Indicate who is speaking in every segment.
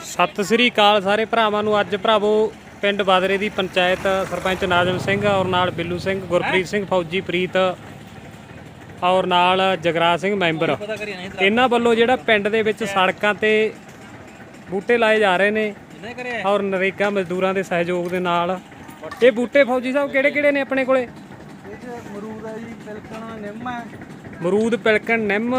Speaker 1: ਸਤਿ ਸ੍ਰੀ ਅਕਾਲ ਸਾਰੇ ਭਰਾਵਾਂ ਨੂੰ। ਅੱਜ ਭਰਾਵੋ ਪਿੰਡ ਬਾਦਰੇ ਦੀ ਪੰਚਾਇਤ ਸਰਪੰਚ ਨਾਜ਼ਮ ਸਿੰਘ ਔਰ ਨਾਲ ਬਿੱਲੂ ਸਿੰਘ, ਗੁਰਪ੍ਰੀਤ ਸਿੰਘ, ਫੌਜੀ ਪ੍ਰੀਤ ਔਰ ਨਾਲ ਜਗਰਾਜ ਸਿੰਘ ਮੈਂਬਰ, ਇਹਨਾਂ ਵੱਲੋਂ ਜਿਹੜਾ ਪਿੰਡ ਦੇ ਵਿੱਚ ਸੜਕਾਂ ਤੇ ਬੂਟੇ ਲਾਏ ਜਾ ਰਹੇ ਨੇ ਔਰ ਨਰੇਗਾ ਮਜ਼ਦੂਰਾਂ ਦੇ ਸਹਿਯੋਗ ਦੇ ਨਾਲ। ਇਹ ਬੂਟੇ ਫੌਜੀ ਸਾਹਿਬ ਕਿਹੜੇ ਕਿਹੜੇ ਨੇ ਆਪਣੇ ਕੋਲੇ?
Speaker 2: ਮਰੂਦ ਹੈ ਜੀ, ਪਿਲਕਣ, ਨਿੰਮ ਹੈ,
Speaker 1: ਮਰੂਦ, ਪਿਲਕਣ, ਨਿੰਮ,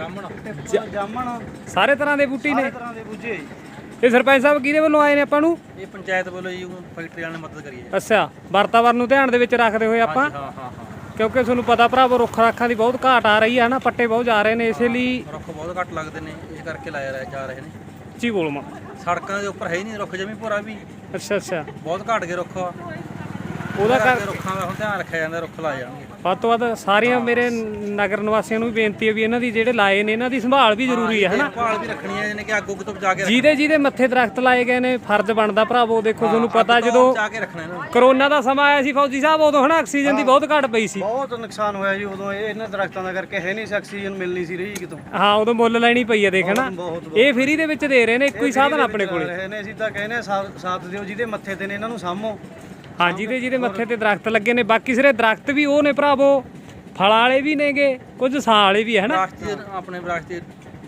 Speaker 2: ਜਾਮਣ,
Speaker 1: ਸਾਰੇ ਤਰ੍ਹਾਂ ਦੇ ਬੂਟੇ ਨੇ।
Speaker 2: ਸਾਰੇ ਤਰ੍ਹਾਂ ਦੇ ਬੂਝੇ ਜੀ।
Speaker 1: ਇਹ ਸਰਪੰਚ ਸਾਹਿਬ ਕਿਹਦੇ ਵੱਲੋਂ ਆਏ ਨੇ ਆਪਾਂ ਨੂੰ?
Speaker 2: ਇਹ ਪੰਚਾਇਤ ਵੱਲੋਂ ਜੀ, ਫੈਕਟਰੀ ਵਾਲਿਆਂ ਨੇ ਮਦਦ ਕਰੀ ਹੈ।
Speaker 1: ਅੱਛਾ, ਵਾਤਾਵਰਨ ਨੂੰ ਧਿਆਨ ਦੇ ਵਿੱਚ ਰੱਖਦੇ ਹੋਏ ਆਪਾਂ,
Speaker 2: ਹਾਂ,
Speaker 1: ਕਿਉਂਕਿ ਤੁਹਾਨੂੰ ਪਤਾ ਭਰਾਵੋ ਰੁੱਖ ਰਾਖਾਂ ਦੀ ਬਹੁਤ ਘਾਟ ਆ ਰਹੀ ਹੈ ਨਾ, ਪੱਟੇ ਬਹੁਤ ਜਾ ਰਹੇ ਨੇ, ਇਸੇ ਲਈ
Speaker 2: ਰੁੱਖ ਬਹੁਤ ਘੱਟ ਲੱਗਦੇ ਨੇ, ਇਸ ਕਰਕੇ ਲਾਇਆ ਜਾ ਰਹੇ ਨੇ।
Speaker 1: ਉੱਚੀ ਬੋਲ ਮਾਂ।
Speaker 2: ਸੜਕਾਂ ਦੇ ਉੱਪਰ ਹੈ ਹੀ ਨਹੀਂ ਰੁੱਖ, ਜਮੀ ਭੋਰਾ ਵੀ
Speaker 1: ਅੱਛਾ
Speaker 2: ਬਹੁਤ ਘੱਟ ਗਏ ਰੁੱਖ।
Speaker 1: ਉਹਦਾ
Speaker 2: ਕਰਕੇ ਰੁੱਖਾਂ ਦਾ ਹੁਣ ਧਿਆਨ ਰੱਖਿਆ ਜਾਂਦਾ, ਰੁੱਖ ਲਾਏ ਜਾਣਗੇ।
Speaker 1: ਵੱਧ ਤੋਂ ਵੱਧ ਸਾਰੀਆਂ ਮੇਰੇ ਨਗਰ ਨਿਵਾਸੀਆਂ ਨੂੰ ਵੀ ਬੇਨਤੀ ਹੈ ਵੀ ਇਹਨਾਂ ਦੀ ਜਿਹੜੇ ਲਾਏ ਨੇ ਇਹਨਾਂ ਦੀ ਸੰਭਾਲ ਵੀ ਜ਼ਰੂਰੀ ਹੈ ਹਨਾ।
Speaker 2: ਸੰਭਾਲ ਵੀ ਰੱਖਣੀ ਹੈ, ਜਿਹਨੇ ਕਿ ਅੱਗ ਉੱਗ ਤੋਂ ਬਚਾ ਕੇ
Speaker 1: ਜਿਹਦੇ ਮੱਥੇ ਦਰਖਤ ਲਾਏ ਗਏ ਨੇ, ਫਰਜ਼ ਬਣਦਾ ਭਰਾਵੋ। ਦੇਖੋ ਤੁਹਾਨੂੰ ਪਤਾ ਜਦੋਂ
Speaker 2: ਬਚਾ ਕੇ ਰੱਖਣਾ ਇਹਨਾਂ ਨੂੰ।
Speaker 1: ਕਰੋਨਾ ਦਾ ਸਮਾਂ ਆਇਆ ਸੀ ਫੌਜੀ ਸਾਹਿਬ, ਉਦੋਂ ਹਨਾ ਆਕਸੀਜਨ ਦੀ ਬਹੁਤ ਘਾਟ ਪਈ ਸੀ।
Speaker 2: ਬਹੁਤ ਨੁਕਸਾਨ ਹੋਇਆ ਜੀ ਉਦੋਂ, ਇਹਨਾਂ ਦਰਖਤਾਂ ਦਾ ਕਰਕੇ ਹੈ ਨਹੀਂ ਸੀ, ਆਕਸੀਜਨ ਮਿਲਣੀ ਸੀ ਰਹੀ ਕਿਤੋਂ।
Speaker 1: ਹਾਂ, ਉਦੋਂ ਮੁੱਲ ਲੈਣੀ ਪਈ ਹੈ ਦੇਖ ਹਨਾ।
Speaker 2: ਬਹੁਤ
Speaker 1: ਇਹ ਫ੍ਰੀ ਦੇ ਵਿੱਚ ਦੇ ਰਹੇ ਨੇ, ਇੱਕੋ ਹੀ ਸਾਧਨ ਆਪਣੇ ਕੋਲੇ।
Speaker 2: ਰਹੇ ਨੇ, ਅਸੀਂ ਤਾਂ ਕਹਿੰਦੇ ਸਾਥ ਦਿਓ ਜਿਹਦੇ ਮੱਥੇ ਤੇ ਨੇ, ਇਹਨਾਂ ਨੂੰ ਸਾਂਭੋ।
Speaker 1: ਹਾਂ, ਜਿਹਦੇ ਮੱਥੇ ਤੇ ਦਰਖਤ ਲੱਗੇ ਨੇ। ਬਾਕੀ ਸਿਰੇ ਦਰਖਤ ਵੀ ਉਹ ਨੇ ਭਰਾਵੋ, ਫਲਾਂ ਵਾਲੇ ਵੀ ਨੇਗੇ, ਕੁਝ ਛਾਂ ਵਾਲੇ ਵੀ ਹੈ ਹਨਾ।
Speaker 2: ਆਪਣੇ ਵਿਰਾਸਤੀ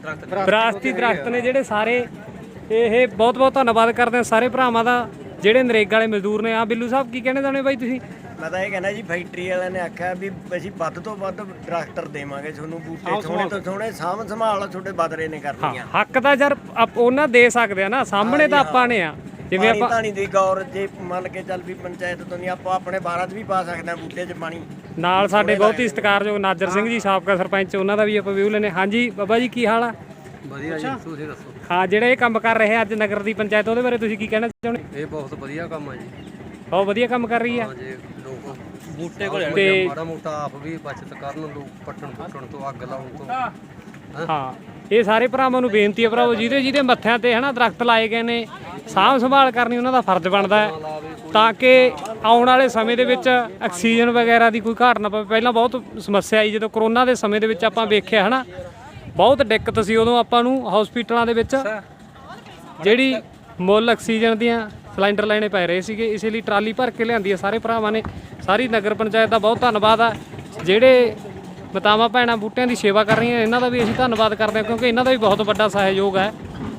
Speaker 1: ਦਰਖਤ ਨੇ ਜਿਹੜੇ ਸਾਰੇ। ਇਹ ਬਹੁਤ ਬਹੁਤ ਧੰਨਵਾਦ ਕਰਦੇ ਹਾਂ ਸਾਰੇ ਭਰਾਵਾਂ ਦਾ ਜਿਹੜੇ ਨਰੇਗਾ ਵਾਲੇ ਮਜ਼ਦੂਰ ਨੇ। ਆ ਬਿੱਲੂ ਸਾਹਿਬ ਕੀ ਕਹਿਣੇ ਚਾਹੁੰਦੇ ਬਾਈ ਤੁਸੀਂ?
Speaker 3: ਮੈਂ ਤਾਂ ਇਹ ਕਹਿੰਦਾ ਜੀ, ਫੈਕਟਰੀ ਵਾਲਿਆਂ ਨੇ ਆਖਿਆ ਵੀ ਅਸੀਂ ਵੱਧ ਤੋਂ ਵੱਧ ਟਰੈਕਟਰ ਦੇਵਾਂਗੇ ਤੁਹਾਨੂੰ, ਬੂਟੇ ਸੋਹਣੇ ਤੋਂ ਸੋਹਣੇ ਸਾਂਭ ਸੰਭਾਲ ਤੁਹਾਡੇ ਬਾਦਰੇ ਨੇ ਕਰਨੀਆਂ।
Speaker 1: ਹੱਕ ਤਾਂ ਯਾਰ ਉਹਨਾਂ ਦੇ ਸਕਦੇ ਆ ਨਾ, ਸਾਹਮਣੇ ਤਾਂ ਆਪਾਂ ਨੇ ਆ। ਜਿਵੇਂ ਆਪਾਂ
Speaker 3: ਪਾਣੀ ਦੀ ਗੌਰ ਜੇ ਮੰਨ ਕੇ ਚੱਲ ਵੀ ਪੰਚਾਇਤ ਤੋਂ ਨਹੀਂ, ਆਪਾਂ ਆਪਣੇ ਬਾਰਾਤ ਵੀ ਪਾ ਸਕਦੇ ਹਾਂ ਬੂਟੇ 'ਚ ਪਾਣੀ।
Speaker 1: ਨਾਲ ਸਾਡੇ ਬਹੁਤ ਹੀ ਸਤਿਕਾਰਯੋਗ ਨਾਜ਼ਰ ਸਿੰਘ ਜੀ, ਸਾਬਕਾ ਸਰਪੰਚ, ਉਹਨਾਂ ਦਾ ਵੀ ਆਪਾਂ ਵਿਊ ਲੈਣੇ। ਹਾਂਜੀ ਬਾਬਾ ਜੀ, ਕੀ ਹਾਲ ਆ?
Speaker 2: ਵਧੀਆ ਜੀ, ਤੁਸੀਂ ਦੱਸੋ।
Speaker 1: ਹਾਂ, ਜਿਹੜੇ ਇਹ ਕੰਮ ਕਰ ਰਹੇ ਆ ਅੱਜ ਨਗਰ ਦੀ ਪੰਚਾਇਤ, ਉਹਦੇ ਬਾਰੇ ਤੁਸੀਂ ਕੀ ਕਹਿਣਾ ਚਾਹੁੰਦੇ?
Speaker 2: ਇਹ ਬਹੁਤ ਵਧੀਆ ਕੰਮ ਆ ਜੀ,
Speaker 1: ਬਹੁਤ ਵਧੀਆ ਕੰਮ ਕਰ ਰਹੀ ਆ।
Speaker 2: ਜੇ ਲੋਕ ਬੂਟੇ ਕੋਲ
Speaker 1: ਤੇ
Speaker 2: ਮਾੜਾ ਮੋਟਾ ਆਪ ਵੀ ਬਚਤ ਕਰਨ, ਲੋਕ ਪੱਟਣ ਤੋਂ, ਅੱਗ ਲਾਉਣ ਤੋਂ।
Speaker 1: ਹਾਂ, ਇਹ ਸਾਰੇ ਭਰਾਵਾਂ ਨੂੰ ਬੇਨਤੀ ਹੈ ਭਰਾਵੋ, ਜਿਹਦੇ ਮੱਥਿਆਂ ਤੇ ਹਨਾ ਦਰਖਤ ਲਾਏ ਗਏ ਨੇ, ਸਾਂਭ ਸੰਭਾਲ ਕਰਨੀ ਉਹਨਾਂ ਦਾ ਫਰਜ਼ ਬਣਦਾ ਹੈ, ਤਾਂ ਕਿ ਆਉਣ ਵਾਲੇ ਸਮੇਂ ਦੇ ਵਿੱਚ ਆਕਸੀਜਨ ਵਗੈਰਾ ਦੀ ਕੋਈ ਘਾਟ ਨਾ ਪਵੇ। ਪਹਿਲਾਂ ਬਹੁਤ ਸਮੱਸਿਆ ਆਈ ਜਦੋਂ ਕਰੋਨਾ ਦੇ ਸਮੇਂ ਦੇ ਵਿੱਚ, ਆਪਾਂ ਵੇਖਿਆ ਹਨਾ, ਬਹੁਤ ਦਿੱਕਤ ਸੀ ਉਦੋਂ ਆਪਾਂ ਨੂੰ ਹਸਪੀਟਲਾਂ ਦੇ ਵਿੱਚ, ਜਿਹੜੀ ਮੁੱਲ ਆਕਸੀਜਨ ਦੀਆਂ ਸਿਲੰਡਰ ਲੈਣੇ ਪੈ ਰਹੇ ਸੀਗੇ। ਇਸੇ ਲਈ ਟਰਾਲੀ ਭਰ ਕੇ ਲਿਆਂਦੀ ਹੈ ਸਾਰੇ ਭਰਾਵਾਂ ਨੇ। ਸਾਰੀ ਨਗਰ ਪੰਚਾਇਤ ਦਾ ਬਹੁਤ ਧੰਨਵਾਦ ਆ। ਜਿਹੜੇ ਮਾਤਾਵਾਂ ਭੈਣਾਂ ਬੂਟਿਆਂ ਦੀ ਸੇਵਾ ਕਰ ਰਹੀਆਂ, ਇਹਨਾਂ ਦਾ ਵੀ ਅਸੀਂ ਧੰਨਵਾਦ ਕਰਦੇ ਹਾਂ, ਕਿਉਂਕਿ ਇਹਨਾਂ ਦਾ ਵੀ ਬਹੁਤ ਵੱਡਾ ਸਹਿਯੋਗ ਹੈ।